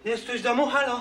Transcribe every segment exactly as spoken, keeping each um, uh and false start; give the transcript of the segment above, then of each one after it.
Jest ktoś w domu? Halo?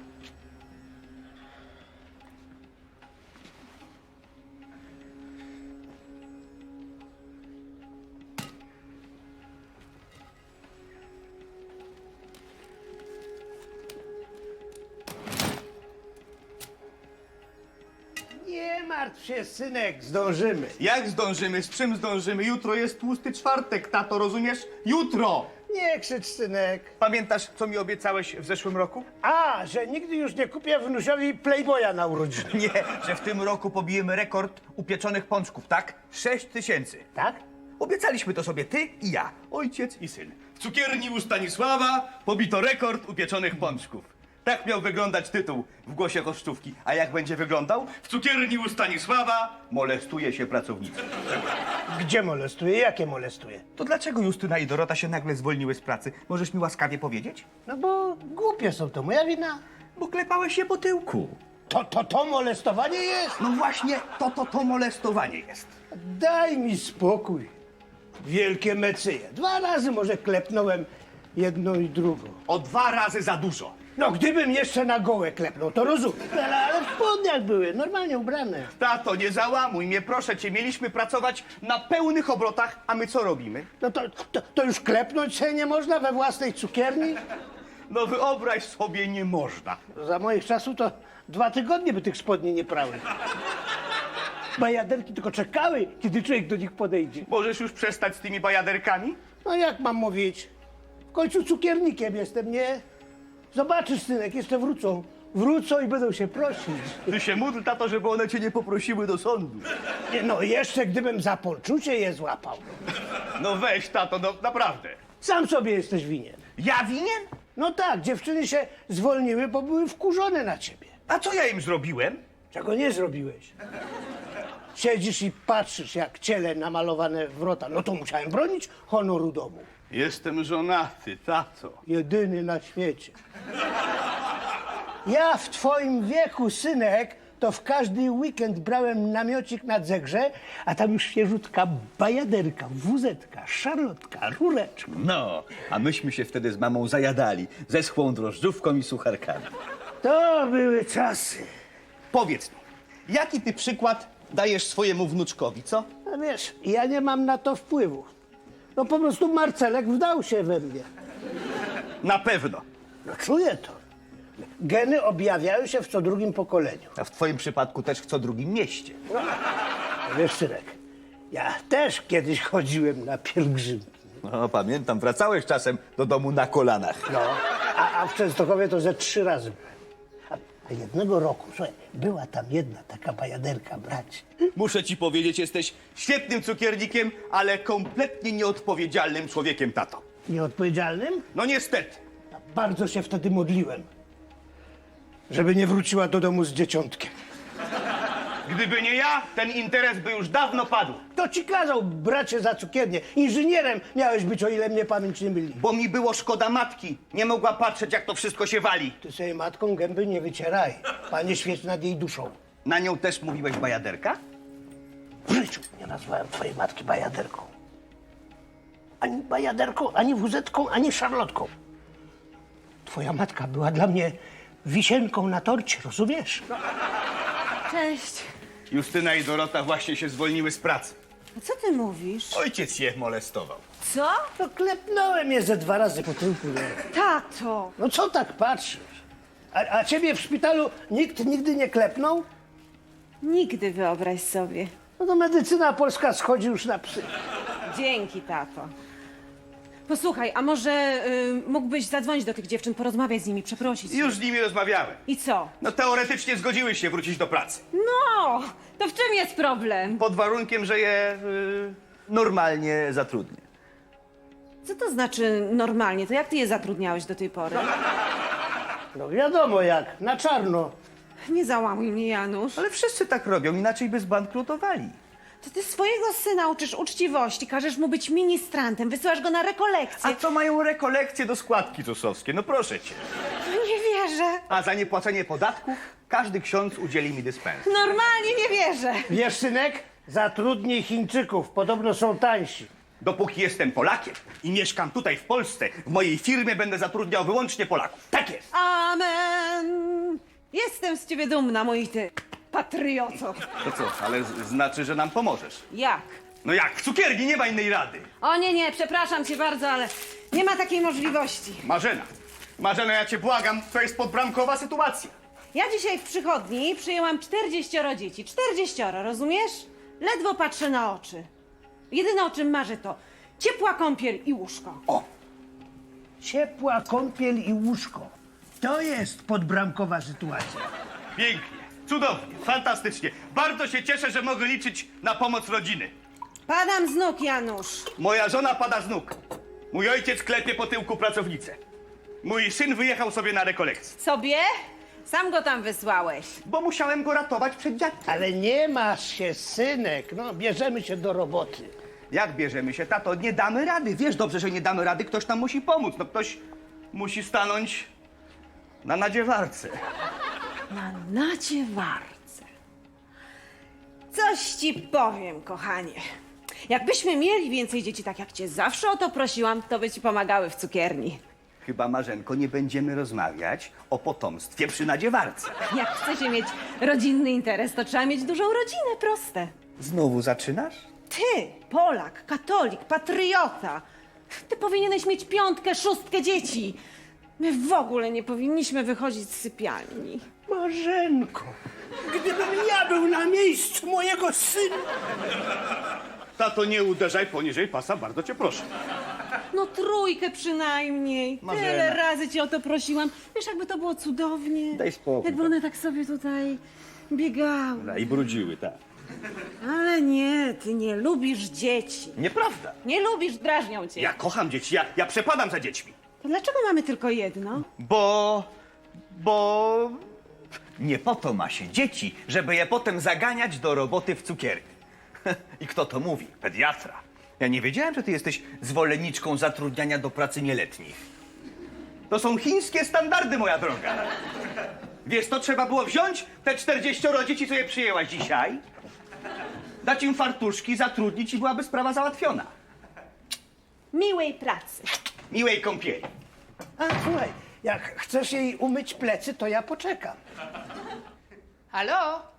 Nie martw się, synek, zdążymy. Jak zdążymy? Z czym zdążymy? Jutro jest tłusty czwartek, tato, rozumiesz? Jutro! Nie krzycz, synek. Pamiętasz, co mi obiecałeś w zeszłym roku? A, że nigdy już nie kupię wnusiowi Playboya na urodziny. Nie, że w tym roku pobijemy rekord upieczonych pączków, tak? Sześć tysięcy. Tak? Obiecaliśmy to sobie ty i ja, ojciec i syn. W cukierni u Stanisława pobito rekord upieczonych pączków. Tak miał wyglądać tytuł w głosie kosztówki. A jak będzie wyglądał? W cukierni u Stanisława molestuje się pracownica. Gdzie molestuje? Jakie molestuje? To dlaczego Justyna i Dorota się nagle zwolniły z pracy? Możesz mi łaskawie powiedzieć? No bo głupie są, to moja wina. Bo klepałeś się po tyłku. To, to, to molestowanie jest? No właśnie, to, to, to molestowanie jest. Daj mi spokój. Wielkie mecyje. Dwa razy może klepnąłem jedną i drugą. O dwa razy za dużo. No, gdybym jeszcze na gołę klepnął, to rozumiem. Ale, ale w spodniach były, normalnie ubrane. Tato, nie załamuj mnie, proszę cię. Mieliśmy pracować na pełnych obrotach, a my co robimy? No to, to, to już klepnąć się nie można we własnej cukierni? No wyobraź sobie, nie można. Za moich czasów to dwa tygodnie by tych spodni nie prały. Bajaderki tylko czekały, kiedy człowiek do nich podejdzie. Możesz już przestać z tymi bajaderkami? No jak mam mówić? W końcu cukiernikiem jestem, nie? Zobaczysz, synek, jeszcze wrócą. Wrócą i będą się prosić. Ty się módl, tato, żeby one cię nie poprosiły do sądu. Nie, no jeszcze gdybym za poczucie je złapał. No weź, tato, no naprawdę. Sam sobie jesteś winien. Ja winien? No tak, dziewczyny się zwolniły, bo były wkurzone na ciebie. A co ja im zrobiłem? Czego nie zrobiłeś? Siedzisz i patrzysz, jak ciele namalowane wrota. No to musiałem bronić honoru domu. Jestem żonaty, tato. Jedyny na świecie. Ja w twoim wieku, synek, to w każdy weekend brałem namiocik na Zegrze, a tam już świeżutka bajaderka, wuzetka, szarlotka, rureczka. No, a myśmy się wtedy z mamą zajadali ze schłą drożdżówką i sucharkami. To były czasy. Powiedz mi, jaki ty przykład dajesz swojemu wnuczkowi, co? No wiesz, ja nie mam na to wpływu. No po prostu Marcelek wdał się we mnie. Na pewno. No czuję to. Geny objawiają się w co drugim pokoleniu. A w twoim przypadku też w co drugim mieście. No, wiesz, synek, ja też kiedyś chodziłem na pielgrzymki. No, pamiętam, wracałeś czasem do domu na kolanach. No, a, a w Częstochowie to ze trzy razy byłem. A, a jednego roku, słuchaj, była tam jedna taka bajaderka, bracie. Muszę ci powiedzieć, jesteś świetnym cukiernikiem, ale kompletnie nieodpowiedzialnym człowiekiem, tato. Nieodpowiedzialnym? No niestety. Bardzo się wtedy modliłem, żeby nie wróciła do domu z dzieciątkiem. Gdyby nie ja, ten interes by już dawno padł. To ci kazał, bracie, za cukiernię. Inżynierem miałeś być, o ile mnie pamięć nie myli. Bo mi było szkoda matki. Nie mogła patrzeć, jak to wszystko się wali. Ty sobie matką gęby nie wycieraj. Panie, świeć nad jej duszą. Na nią też mówiłeś bajaderka? W życiu nie nazwałem twojej matki bajaderką. Ani bajaderką, ani wuzetką, ani szarlotką. Twoja matka była dla mnie wisienką na torcie, rozumiesz? Cześć. Justyna i Dorota właśnie się zwolniły z pracy. A co ty mówisz? Ojciec je molestował. Co? No klepnąłem je ze dwa razy po tyłku. Nie? Tato! No co tak patrzysz? A, a ciebie w szpitalu nikt nigdy nie klepnął? Nigdy, wyobraź sobie. No to medycyna polska schodzi już na psy. Dzięki, tato. Posłuchaj, a może y, mógłbyś zadzwonić do tych dziewczyn, porozmawiać z nimi, przeprosić? Już z nimi rozmawiałem. I co? No teoretycznie zgodziły się wrócić do pracy. No, to w czym jest problem? Pod warunkiem, że je y, normalnie zatrudnię. Co to znaczy normalnie? To jak ty je zatrudniałeś do tej pory? No wiadomo jak, na czarno. Nie załamuj mnie, Janusz. Ale wszyscy tak robią, inaczej by zbankrutowali. To ty swojego syna uczysz uczciwości, każesz mu być ministrantem, wysyłasz go na rekolekcje. A co mają rekolekcje do składki zusowskiej? No proszę cię. Nie wierzę. A za niepłacenie podatków każdy ksiądz udzieli mi dyspens. Normalnie nie wierzę. Wiesz, synek, zatrudnij Chińczyków, podobno są tańsi. Dopóki jestem Polakiem i mieszkam tutaj w Polsce, w mojej firmie będę zatrudniał wyłącznie Polaków. Tak jest. Amen! Jestem z ciebie dumna, mój ty patrioto. To co, ale z- znaczy, że nam pomożesz. Jak? No jak, w cukierni nie ma innej rady. O nie, nie, przepraszam cię bardzo, ale nie ma takiej możliwości. Marzena, Marzena, ja cię błagam, to jest podbramkowa sytuacja. Ja dzisiaj w przychodni przyjęłam czterdzieścioro dzieci. Czterdzieścioro, rozumiesz? Ledwo patrzę na oczy. Jedyne o czym marzę to ciepła kąpiel i łóżko. O! Ciepła kąpiel i łóżko. To jest podbramkowa sytuacja. Pięknie, cudownie, fantastycznie. Bardzo się cieszę, że mogę liczyć na pomoc rodziny. Padam z nóg, Janusz. Moja żona pada z nóg. Mój ojciec klepie po tyłku pracownicę. Mój syn wyjechał sobie na rekolekcję, Sobie? Sam go tam wysłałeś. bo musiałem go ratować przed dziadkiem. Ale nie masz się, synek. No, bierzemy się do roboty. Jak bierzemy się, tato? Nie damy rady. Wiesz dobrze, że nie damy rady, ktoś nam musi pomóc. No ktoś musi stanąć na nadziewarce. Na nadziewarce. Coś ci powiem, kochanie. Jakbyśmy mieli więcej dzieci, tak jak cię zawsze o to prosiłam, to by ci pomagały w cukierni. Chyba, Marzenko, nie będziemy rozmawiać o potomstwie przy nadziewarce. Jak chcecie mieć rodzinny interes, to trzeba mieć dużą rodzinę, proste. Znowu zaczynasz? Ty, Polak, katolik, patriota. Ty powinieneś mieć piątkę, szóstkę dzieci. My w ogóle nie powinniśmy wychodzić z sypialni. Marzenko, gdybym ja był na miejscu mojego syna. Tato, nie uderzaj poniżej pasa, bardzo cię proszę. No trójkę przynajmniej. Marzena. Tyle razy cię o to prosiłam. Wiesz, jakby to było cudownie. Daj spokój. Jakby one tak sobie tutaj biegały. I brudziły, tak. Ale nie, ty nie lubisz dzieci. Nieprawda. Nie lubisz, drażnią cię. Ja kocham dzieci, ja, ja przepadam za dziećmi. To dlaczego mamy tylko jedno? Bo... bo... Nie po to ma się dzieci, żeby je potem zaganiać do roboty w cukierni. I kto to mówi? Pediatra. Ja nie wiedziałem, że ty jesteś zwolenniczką zatrudniania do pracy nieletnich. To są chińskie standardy, moja droga. Wiesz, to trzeba było wziąć te czterdzieścioro dzieci, co je przyjęłaś dzisiaj, dać im fartuszki, zatrudnić i byłaby sprawa załatwiona. Miłej pracy. Miłej kąpieli. A słuchaj, jak chcesz jej umyć plecy, to ja poczekam. Halo?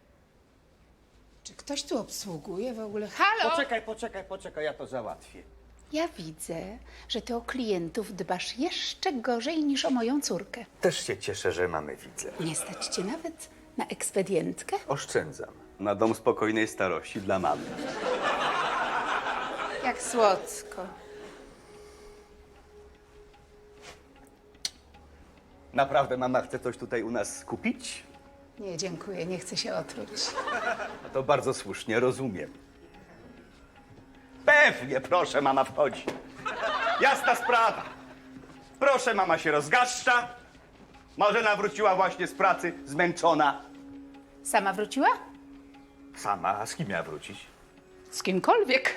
Czy ktoś tu obsługuje w ogóle? Halo? Poczekaj, poczekaj, poczekaj, ja to załatwię. Ja widzę, że ty o klientów dbasz jeszcze gorzej niż o moją córkę. Też się cieszę, że mamy widzę. Nie stać cię nawet na ekspedientkę? Oszczędzam. Na dom spokojnej starości dla mamy. Jak słodko. Naprawdę mama chce coś tutaj u nas kupić? Nie, dziękuję, nie chcę się otruć. No to bardzo słusznie, rozumiem. Pewnie, proszę, mama wchodzi. Jasna sprawa. Proszę, mama się rozgaszcza. Marzena wróciła właśnie z pracy, zmęczona. Sama wróciła? Sama, a z kim miała wrócić? Z kimkolwiek.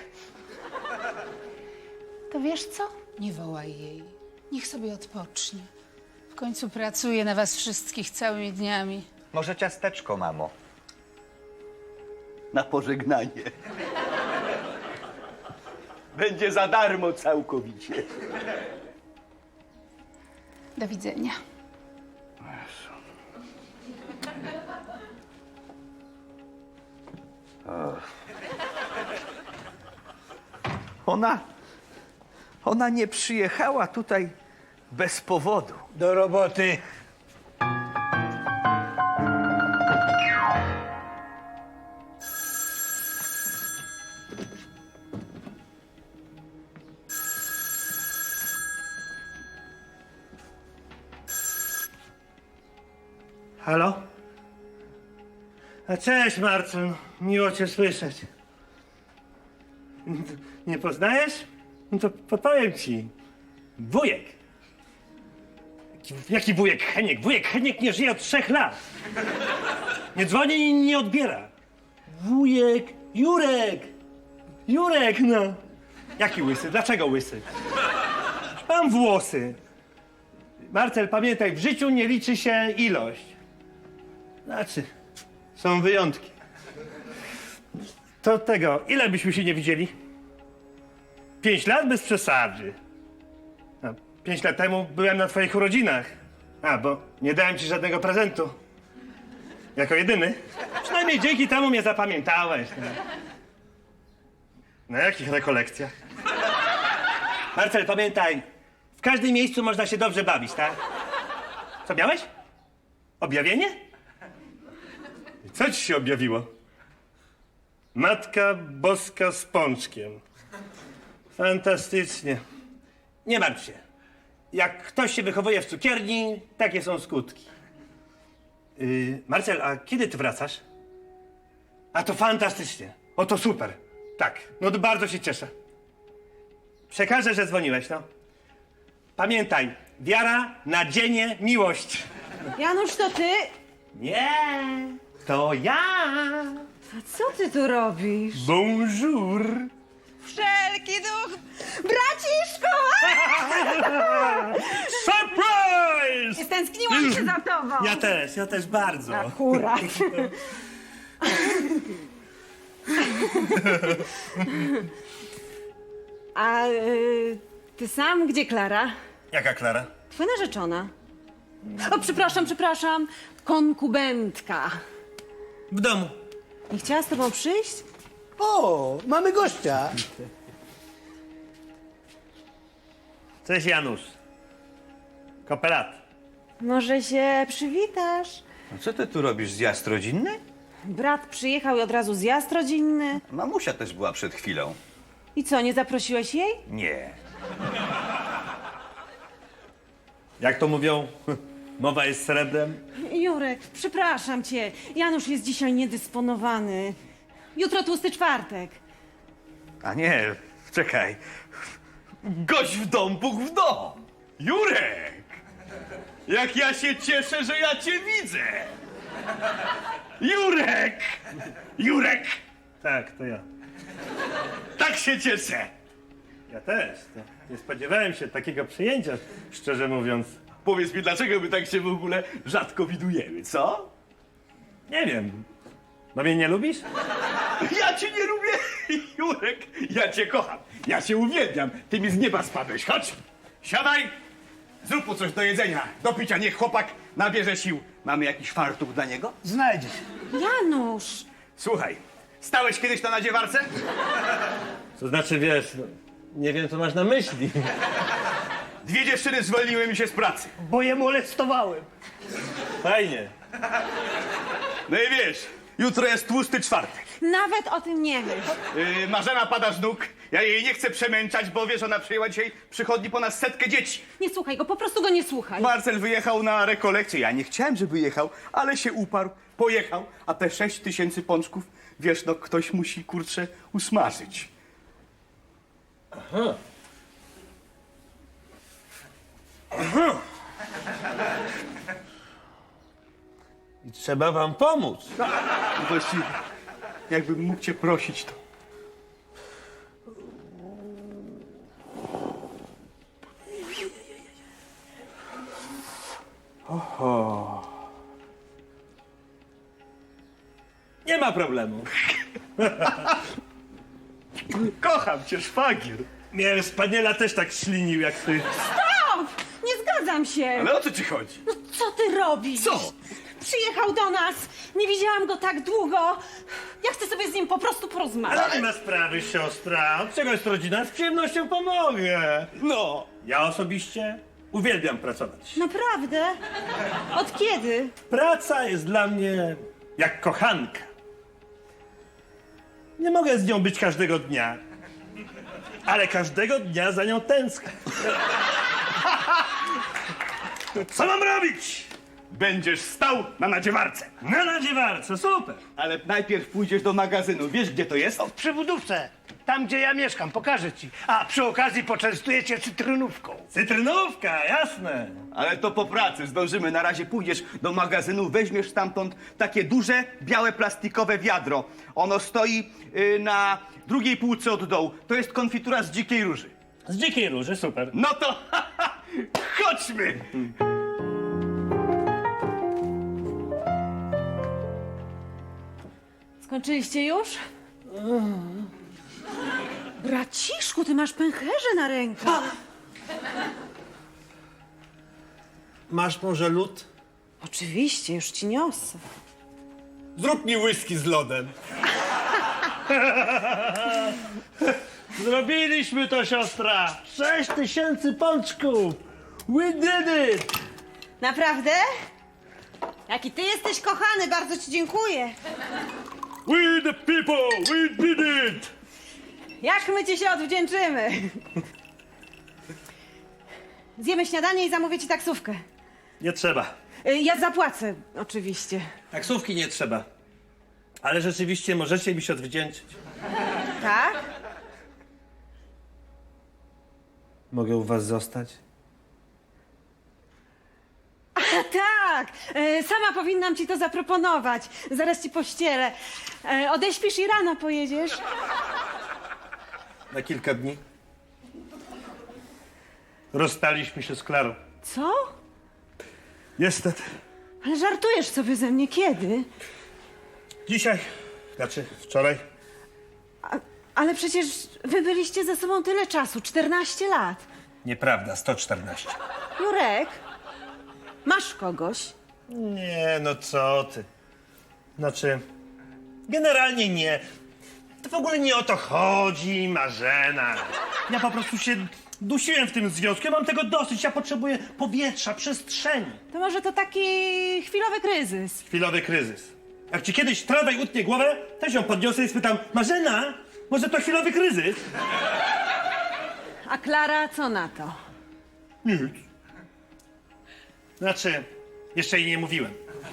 To wiesz co? Nie wołaj jej. Niech sobie odpocznie. W końcu pracuje na was wszystkich całymi dniami. Może ciasteczko, mamo? Na pożegnanie. Będzie za darmo całkowicie. Do widzenia. Ona, ona nie przyjechała tutaj bez powodu. Do roboty. Halo? A cześć, Marcel. Miło cię słyszeć. Nie poznajesz? No to podpowiem ci. Wujek. Jaki, jaki wujek Heniek? Wujek Heniek nie żyje od trzech lat. Nie dzwoni i nie odbiera. Wujek Jurek. Jurek, no. Jaki łysy? Dlaczego łysy? Mam włosy. Marcel, pamiętaj, w życiu nie liczy się ilość. Znaczy, są wyjątki. To tego, ile byśmy się nie widzieli? pięć lat bez przesady. A pięć lat temu byłem na twoich urodzinach. A, bo nie dałem ci żadnego prezentu. Jako jedyny. Przynajmniej dzięki temu mnie zapamiętałeś. No. Na jakich rekolekcjach? Marcel, pamiętaj, w każdym miejscu można się dobrze bawić, tak? Co miałeś? Objawienie? Co ci się objawiło? Matka Boska z pączkiem. Fantastycznie. Nie martw się. Jak ktoś się wychowuje w cukierni, takie są skutki. Yy, Marcel, a kiedy ty wracasz? A to fantastycznie. O, to super. Tak, no to bardzo się cieszę. Przekażę, że dzwoniłeś, no. Pamiętaj, wiara, nadzienie, miłość. Janusz, to ty? Nie, to ja. A co ty tu robisz? Bonjour. Wszelki duch! Braciszku! Surprise! Stęskniłam się za tobą! Ja też, ja też bardzo. Akurat. A y, ty sam gdzie Klara? Jaka Klara? Twoja narzeczona. O, przepraszam, przepraszam. Konkubentka. W domu. Nie chciała z tobą przyjść? O, mamy gościa. Cześć Janusz. Kopelat. Może się przywitasz? A co ty tu robisz, zjazd rodzinny? Brat przyjechał i od razu zjazd rodzinny. Mamusia też była przed chwilą. I co, nie zaprosiłeś jej? Nie. Jak to mówią? Mowa jest srebrem. Jurek, przepraszam cię. Janusz jest dzisiaj niedysponowany. Jutro tłusty czwartek. A nie, czekaj. Gość w dom, Bóg w dom. Jurek! Jak ja się cieszę, że ja cię widzę! Jurek! Jurek! Tak, to ja. Tak się cieszę! Ja też. To nie spodziewałem się takiego przyjęcia, szczerze mówiąc. Powiedz mi, dlaczego my tak się w ogóle rzadko widujemy, co? Nie wiem. No mnie nie lubisz? Ja cię nie lubię, Jurek! Ja cię kocham, ja cię uwielbiam. Ty mi z nieba spadłeś, chodź! Siadaj! Zrób mu coś do jedzenia, do picia, niech chłopak nabierze sił. Mamy jakiś fartuch dla niego? Znajdziesz. Janusz! Słuchaj, stałeś kiedyś na nadziewarce? To znaczy, wiesz, no, nie wiem, co masz na myśli. Dwie dziewczyny zwolniły mi się z pracy. Bo je molestowałem. Fajnie. No i wiesz, jutro jest tłusty czwartek. Nawet o tym nie myśl. Yy, Marzena pada z nóg. Ja jej nie chcę przemęczać, bo wiesz, ona przyjęła dzisiaj przychodni ponad setkę dzieci. Nie słuchaj go, po prostu go nie słuchaj. Marcel wyjechał na rekolekcję. Ja nie chciałem, żeby jechał, ale się uparł, pojechał. A te sześć tysięcy pączków, wiesz, no ktoś musi, kurczę, usmażyć. I trzeba wam pomóc. No właściwie, jakbym mógł cię prosić, to... Nie ma problemu. Kocham cię, szwagier. Mnie Spaniela też tak ślinił jak ty. Stop! Nie zgadzam się! Ale o co ci chodzi? No co ty robisz? Co? Przyjechał do nas. Nie widziałam go tak długo. Ja chcę sobie z nim po prostu porozmawiać. Ale nie ma sprawy, siostra. Od czego jest rodzina? Z przyjemnością pomogę. No. Ja osobiście uwielbiam pracować. Naprawdę? Od kiedy? Praca jest dla mnie jak kochanka. Nie mogę z nią być każdego dnia, ale każdego dnia za nią tęsknię. Co mam robić? Będziesz stał na nadziewarce. Na nadziewarce, super. Ale najpierw pójdziesz do magazynu. Wiesz, gdzie to jest? O, w przybudówce. Tam, gdzie ja mieszkam. Pokażę ci. A przy okazji poczęstuję cię cytrynówką. Cytrynówka, jasne. Ale to po pracy zdążymy. Na razie pójdziesz do magazynu, weźmiesz stamtąd takie duże, białe, plastikowe wiadro. Ono stoi y, na drugiej półce od dołu. To jest konfitura z dzikiej róży. Z dzikiej róży, super. No to chodźmy! Skończyliście już? Braciszku, ty masz pęcherze na rękach. Masz może lód? Oczywiście, już ci niosę. Zrób mi whisky z lodem. Zrobiliśmy to, siostra! Sześć tysięcy pączków! We did it! Naprawdę? Jaki ty jesteś kochany, bardzo ci dziękuję. We the people! We did it! Jak my ci się odwdzięczymy? Zjemy śniadanie i zamówię ci taksówkę. Nie trzeba. Y, Ja zapłacę, oczywiście. Taksówki nie trzeba. Ale rzeczywiście możecie mi się odwdzięczyć. Tak? Mogę u was zostać? A tak! Y, Sama powinnam ci to zaproponować. Zaraz ci pościelę. Y, Odeśpisz i rano pojedziesz. Na kilka dni. Rozstaliśmy się z Klarą. Co? Niestety. Ale żartujesz sobie ze mnie kiedy? Dzisiaj, znaczy wczoraj, A, ale przecież wy byliście ze sobą tyle czasu, czternaście lat. nieprawda, sto czternaście. Jurek, masz kogoś? Nie, no co ty. Znaczy, generalnie nie. To w ogóle nie o to chodzi, Marzena. Ja po prostu się dusiłem w tym związku. Ja mam tego dosyć. Ja potrzebuję powietrza, przestrzeni. To może to taki chwilowy kryzys. Chwilowy kryzys. Jak ci kiedyś tramwaj utnie głowę, też ją podniosę i spytam, Marzena, może to chwilowy kryzys? A Klara co na to? Nic. Znaczy, jeszcze jej nie mówiłem.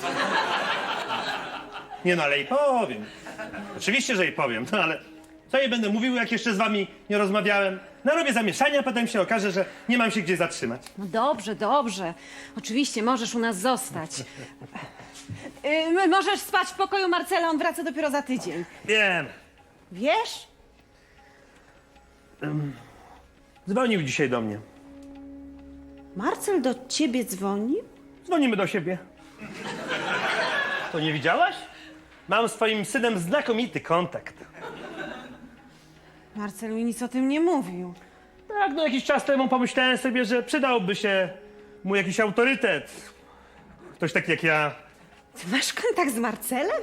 Nie no, ale jej powiem. Oczywiście, że jej powiem, no ale co jej będę mówił, jak jeszcze z wami nie rozmawiałem? Narobię zamieszania, a potem się okaże, że nie mam się gdzie zatrzymać. No dobrze, dobrze. Oczywiście możesz u nas zostać. Yy, możesz spać w pokoju Marcela, on wraca dopiero za tydzień. Wiem. Wiesz? Dzwonił dzisiaj do mnie. Marcel do ciebie dzwonił? Dzwonimy do siebie. To nie widziałaś? Mam z twoim synem znakomity kontakt. Marcel mi nic o tym nie mówił. Tak, no jakiś czas temu pomyślałem sobie, że przydałby się mu jakiś autorytet. Ktoś taki jak ja. Ty masz kontakt z Marcelem?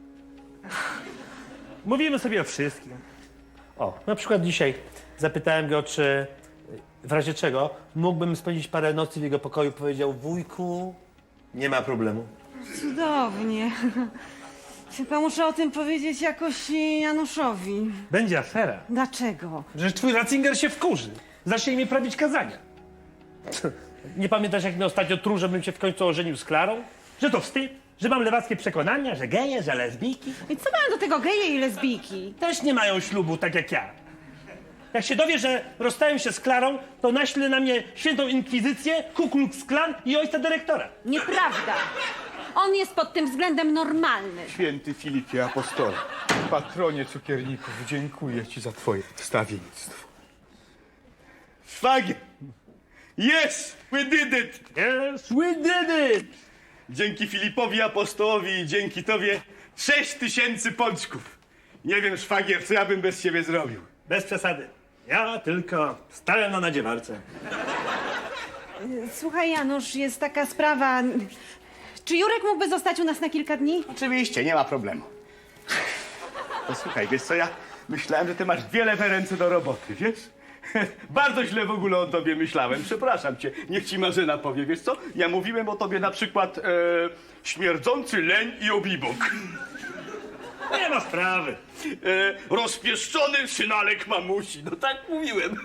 Mówimy sobie o wszystkim. O, na przykład dzisiaj zapytałem go, czy w razie czego mógłbym spędzić parę nocy w jego pokoju. Powiedział, wujku, nie ma problemu. Cudownie. Chyba muszę o tym powiedzieć jakoś Januszowi. Będzie afera. Dlaczego? Że twój Ratzinger się wkurzy. Zacznie mi prawić kazania. Nie pamiętasz, jak mnie ostatnio truł, żebym się w końcu ożenił z Klarą? Że to wstyd? Że mam lewackie przekonania, że geje, że lesbijki? I co mają do tego geje i lesbijki? Też nie mają ślubu, tak jak ja. Jak się dowie, że rozstałem się z Klarą, to naśle na mnie świętą inkwizycję, Ku Klux Klan i ojca dyrektora. Nieprawda. On jest pod tym względem normalny. Święty Filipie Apostole, patronie cukierników, dziękuję ci za twoje wstawiennictwo. Szwagier! Yes! We did it! Yes, we did it! Dzięki Filipowi Apostołowi i dzięki tobie sześć tysięcy pączków. Nie wiem, szwagier, co ja bym bez ciebie zrobił. Bez przesady. Ja tylko stałem na nadziewarce. Słuchaj, Janusz, jest taka sprawa. Czy Jurek mógłby zostać u nas na kilka dni? Oczywiście, nie ma problemu. Posłuchaj, wiesz co, ja myślałem, że ty masz dwie lewe ręce do roboty, wiesz? Bardzo źle w ogóle o tobie myślałem, przepraszam cię. Niech ci Marzena powie, wiesz co? Ja mówiłem o tobie na przykład e, śmierdzący leń i obibok. Nie ma sprawy. E, rozpieszczony synalek mamusi, no tak mówiłem.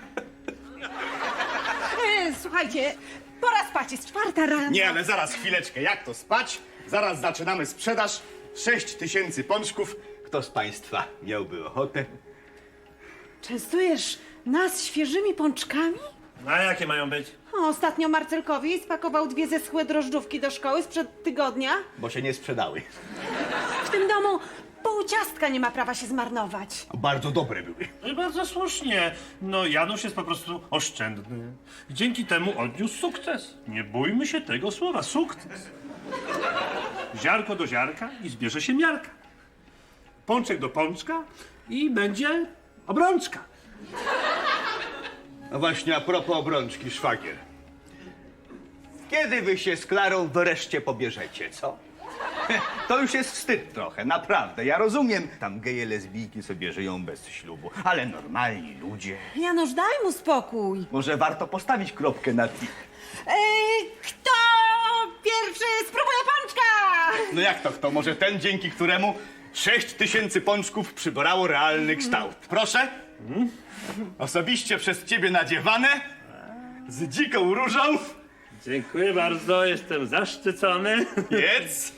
E, słuchajcie, pora spać, jest czwarta rano. Nie, ale zaraz, chwileczkę, jak to spać? Zaraz zaczynamy sprzedaż. Sześć tysięcy pączków. Kto z państwa miałby ochotę? Częstujesz nas świeżymi pączkami? No a jakie mają być? O, ostatnio Marcelkowi spakował dwie zeschłe drożdżówki do szkoły sprzed tygodnia. Bo się nie sprzedały. W tym domu pół ciastka nie ma prawa się zmarnować. Bardzo dobre były. No i bardzo słusznie. No Janusz jest po prostu oszczędny. I dzięki temu odniósł sukces. Nie bójmy się tego słowa, sukces. Ziarko do ziarka i zbierze się miarka. Pączek do pączka i będzie obrączka. No właśnie, a propos obrączki, szwagier. Kiedy wy się z Klarą wreszcie pobierzecie, co? To już jest wstyd trochę, naprawdę. Ja rozumiem, tam geje, lesbijki sobie żyją bez ślubu, ale normalni ludzie. Janusz, daj mu spokój. Może warto postawić kropkę na i. Ej, kto pierwszy spróbuje pączka? No jak to kto? Może ten, dzięki któremu sześć tysięcy pączków przybrało realny kształt. Proszę? Osobiście przez ciebie nadziewane, z dziką różą. Dziękuję bardzo, jestem zaszczycony. Jedz.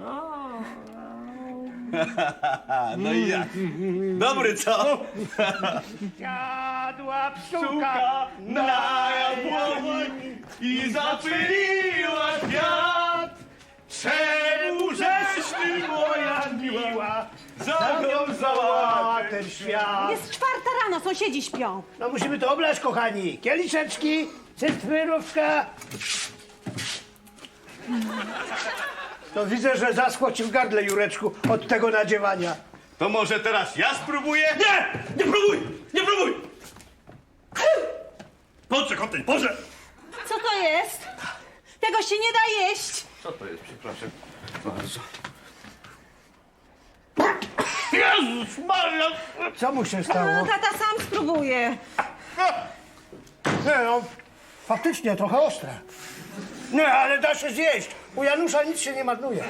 No i jak? Dobry, co? Jadła Pszczółka na jabłoni i zapyliła kwiat. Czemu żeś ty, moja miła, zawiązała ten świat? Jest czwarta rano, sąsiedzi śpią. No musimy to oblać, kochani. Kieliszeczki, cytrynówka. To widzę, że zaschło ci w gardle, Jureczku, od tego nadziewania. To może teraz ja spróbuję? Nie! Nie próbuj! Nie próbuj! Pączek o tej porze! Co to jest? Tego się nie da jeść. Co to jest, przepraszam bardzo. Jezus Maria! Co mu się No, stało? tata sam spróbuje. Nie no, faktycznie trochę ostre. Nie, ale da się zjeść. U Janusza nic się nie marnuje.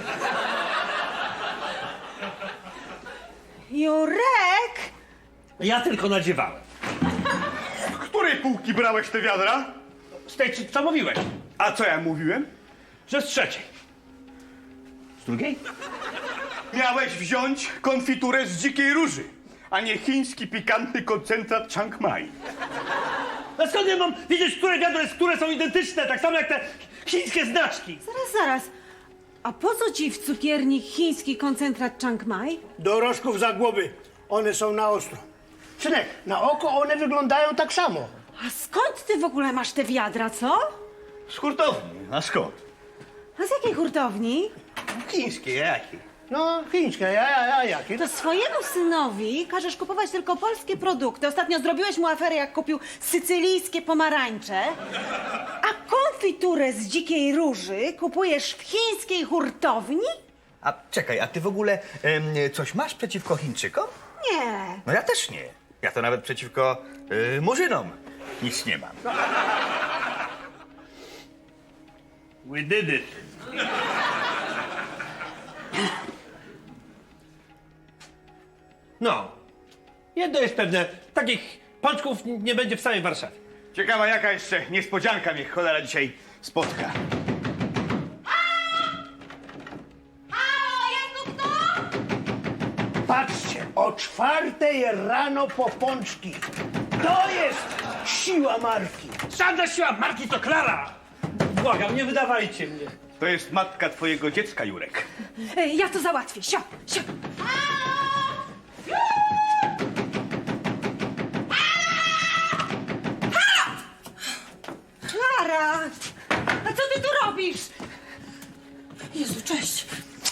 Jurek! Ja tylko nadziewałem. Z której półki brałeś te wiadra? Z tej, co mówiłeś? A co ja mówiłem? Że z trzeciej. Z drugiej? Miałeś wziąć konfiturę z dzikiej róży, a nie chiński pikantny koncentrat Chiang Mai. A skąd ja mam wiedzieć, które wiadro jest, które są identyczne, tak samo jak te chińskie znaczki? Zaraz, zaraz. A po co ci w cukierni chiński koncentrat Chiang Mai? Do rożków za głowy. One są na ostro. Synek, na oko one wyglądają tak samo. A skąd ty w ogóle masz te wiadra, co? Z hurtowni. A skąd? A z jakiej hurtowni? Chińskie, jakie? No, chińskie, ja, ja, ja, jakie? To swojemu synowi każesz kupować tylko polskie produkty. Ostatnio zrobiłeś mu aferę, jak kupił sycylijskie pomarańcze. A konfiturę z dzikiej róży kupujesz w chińskiej hurtowni? A czekaj, a ty w ogóle em, coś masz przeciwko Chińczykom? Nie. No ja też nie. Ja to nawet przeciwko y, Murzynom nic nie mam. We did it. No. Jedno jest pewne. Takich pączków nie będzie w całej Warszawie. Ciekawa, jaka jeszcze niespodzianka mnie cholera dzisiaj spotka. Patrzcie, o czwartej rano po pączki. To jest siła marki. Żadna siła marki to Klara! Błagam, nie wydawajcie mnie. To jest matka twojego dziecka, Jurek. E, Ja to załatwię. Sio, sio. Klara! A co ty tu robisz? Jezu, cześć.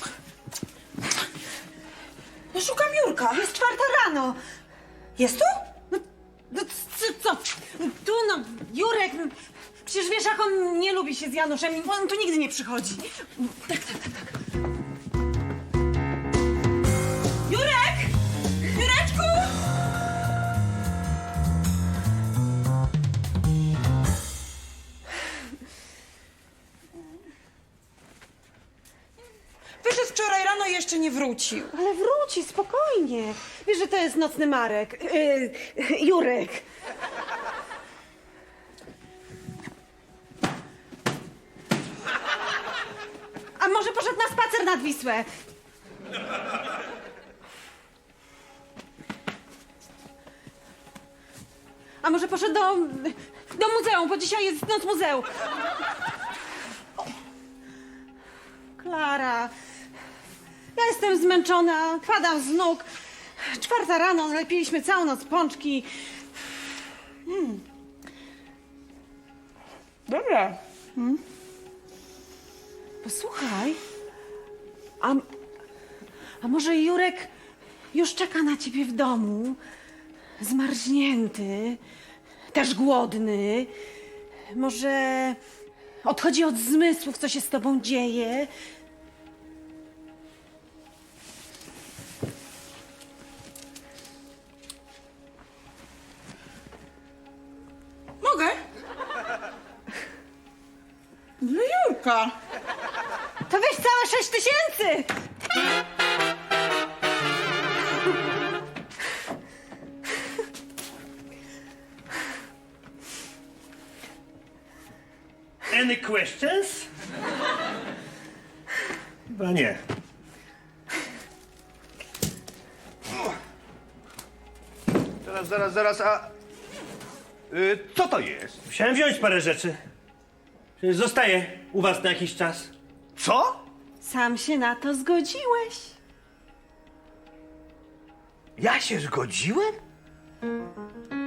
No szukam Jurka. Jest czwarta rano. Jest tu? No, no co, co? Tu no, Jurek... no, Przecież wiesz, jak on nie lubi się z Januszem. On tu nigdy nie przychodzi. Tak, tak, tak, tak. Jurek! Jureczku! Wyszedł wczoraj rano i jeszcze nie wrócił. Ale wróci, spokojnie. Wiesz, że to jest nocny Marek. Yy, Jurek. A może poszedł na spacer nad Wisłę? A może poszedł do, do muzeum, bo dzisiaj jest noc muzeum. Klara, ja jestem zmęczona, padam z nóg. Czwarta rano, lepiliśmy całą noc pączki. Hmm. Dobra. Posłuchaj, a, a może Jurek już czeka na ciebie w domu? Zmarznięty, też głodny. Może odchodzi od zmysłów, co się z tobą dzieje. Mogę? Dla Jurka. To weź całe sześć tysięcy! Any questions? Chyba nie. Zaraz, zaraz, zaraz, a... Y, co to jest? Musiałem wziąć parę rzeczy. Przecież zostaję u was na jakiś czas. Co? Sam się na to zgodziłeś. Ja się zgodziłem?